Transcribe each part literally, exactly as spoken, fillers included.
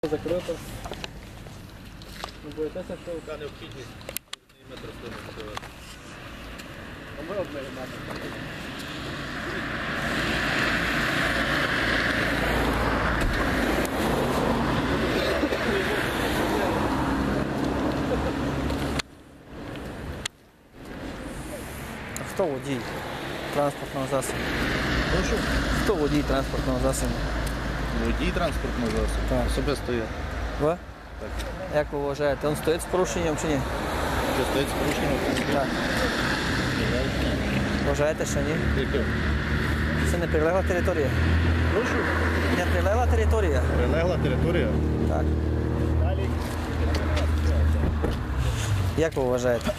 Закрито. Не боїтеся, що Така необхідність метр стоїть. а ми обмежимо. Хто водій транспортного засобу? Прошу. Хто водій транспортного засобу? Водій транспортного засобу. Так. Особисто я. Ви? Так. Як ви вважаєте, він стоїть з порушенням чи ні? Що стоїть з порушенням? Так. Вважаєте, що ні? Яке? Це не прилегла територія? Прошу. Не прилегла територія? Прилегла територія. Так. Далі. Як ви вважаєте?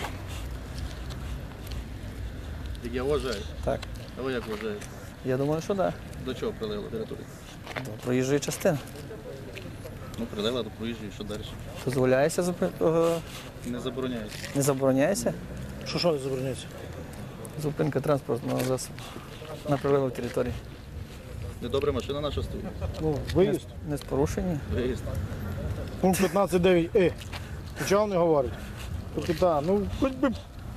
Як я вважаю. Так. А ви як вважаєте? Я думаю, що так. До чого прилегла територія? До проїжджої частини. Ну, прилегла до проїжджої, що далі? Дозволяється зупин... е, Не забороняється. Не забороняється Що що не забороняється? зупинка транспортного засобу на прилеглій території. Недобре машина наша стоїть. Ну, Не, виїзд. з- не з порушенням. Виїзд. Пункт п'ятнадцять дев'ять е. Почав не говорить. Капітан, ну хоч би.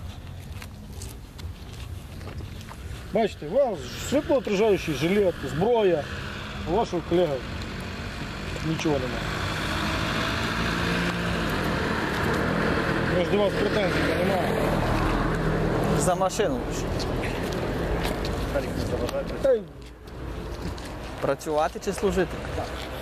Бачите, у вас світлоотражаючий жилет, зброя, у вашого колеги нічого немає. Може до вас претензій немає. За машину. Та й Працювати чи служити?